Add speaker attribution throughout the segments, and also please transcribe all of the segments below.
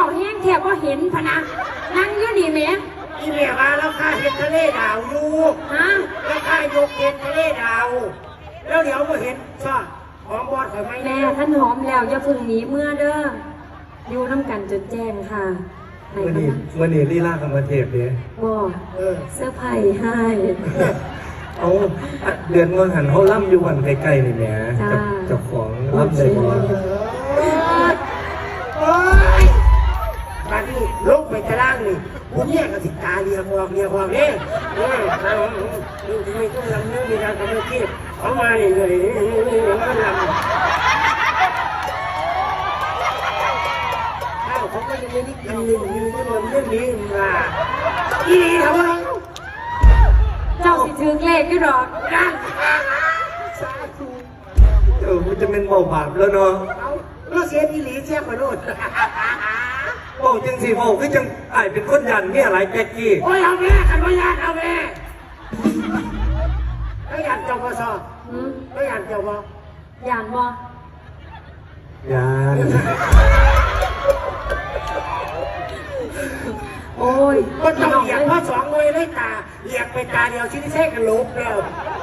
Speaker 1: แห้งแทบว่าเห็นพนะนั่งอยู่นี่แม่
Speaker 2: อีเมียมาแล้วข้าเห็นทะเลดาวอยู่
Speaker 1: ฮะ
Speaker 2: แล้วข้ายกเห็นทะเลดาวแล้วเดี๋ยวมาเห็นชอบของบอสไหม
Speaker 1: แม่ท่านหอมแล้วอย่าพึ่งหนีเมื่อเด้ออยู่น้ำกันจนแจ้งค่ะ
Speaker 3: วันนี้ลีลากับมาเทพเนี่ย
Speaker 1: บอกเสื้อไผ่ให้
Speaker 3: เอาเดือนเงินหันเขาล่ำอยู่วันใกล้ๆนี่แหละกับเจ้าของล่ำเลย
Speaker 2: ตอนนี้ลงไปตารางนี่ผมเนี่ยกับสิตาเรียกว่าเนี่ยไม่ต้องลำเนื้อมีการทำเรื่องที่เขามาเลยมันลำเขาก็ยังไม่ได้กินยืนก็เรื่องนี้มาอีทำไม
Speaker 1: เจ้าสิถึงเลขอยู่ดอก
Speaker 2: นะ
Speaker 3: มันจะเป็นเบาบาปแล้วเนาะ
Speaker 2: เราเสียอีหลีเสียขอโทษ
Speaker 3: โอ้จังสิโอ้คือจังไอเป็นคนยันเนี่ยอะไรแกกี้
Speaker 2: โอ้ยเอาแม่ขันว่ายันเอาแม่แล้วยันเจ้าพ่อซอแล้วยันเจ้าพ่
Speaker 1: อยานบ่
Speaker 3: ยัน
Speaker 1: โอ้ย
Speaker 2: ก็ต้องเหยียบพ่อสองเลยเลยตาเหยียบไปตาเดียวชิ้นที่แท้กันลุกแล้ว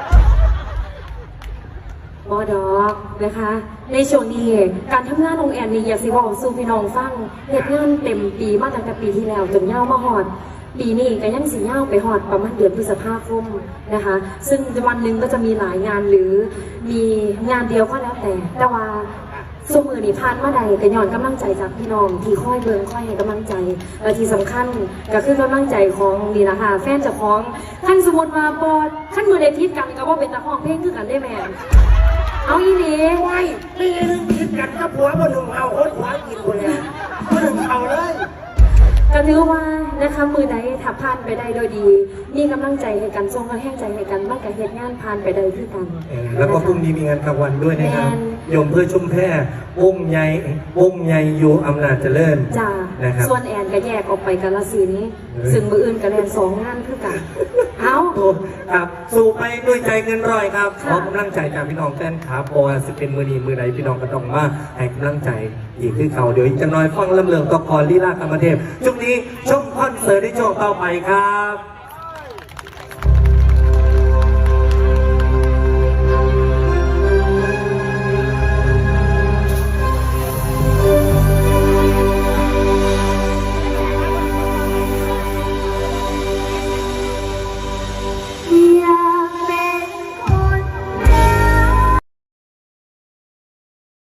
Speaker 1: บอดอกนะคะในช่วงนี้การทำงานของแอนนี่อยากสิบอกสู่พี่น้องฟังเหตุงานเต็มปีมาตั้งแต่ปีที่แล้วจนย่ามาหอดปีนี้ก็ยังสิย่าไปหอดประมาณเดือนพฤษภาคมนะคะซึ่งวันหนึ่งก็จะมีหลายงานหรือมีงานเดียวก็แล้วแต่ว่าสมือนี่ผ่านมาใดแต่ย้อนกำลังใจจากพี่น้องที่ค่อยเบิ่งค่อยให้กำลังใจและที่สำคัญก็คือกำลังใจของนี่นะคะแฟนเจ้าของขั้นสมมติมาบอดขั้นมือในทิศกันก็ว่าเป็นตาห้องเพลงคือกันได้แม่เอาอีนี่
Speaker 2: ไว้ไม่ได้คิดกันกับผัวบนหนุ่มเอาคนผัวกินคนเลยบนหนุ่มเอาเลย
Speaker 1: ก็ถือว่านะคะมือใดถ้าผ่านไปได้โดยดีมีกำลังใจให้กันทรงกระแห้งใจให้กันว่าการเหตุงานผ่านไปได้ที่กัน
Speaker 3: แล้วก็พรุ่งนี้มีงานกลางวันด้วยนะครับยมเพื่อชุ่มแพร่วงใหญ่อยู่อำนาจเจริญ
Speaker 1: จ้า
Speaker 3: นะครับ
Speaker 1: ส่วนแอนก็แยกออกไปกาฬสินธุ์ซึ่งมืออื่นก็แลน2 งานคือกันเอา
Speaker 3: ครับสู่ไปด้วยใจเงินร้อยครับขอกำลังใจจากพี่น้องแฟนขาเพราะว่าจะเป็นมือดีมือใดพี่น้องก็ต้องมาให้กำลังใจอีกคือเขาเดี๋ยวจะน้อยฟังลำเลืองตะกอนลีลากรรมเทพช่วงนี้ชมคอนเสิร์ตในช่วงต่อไปครับ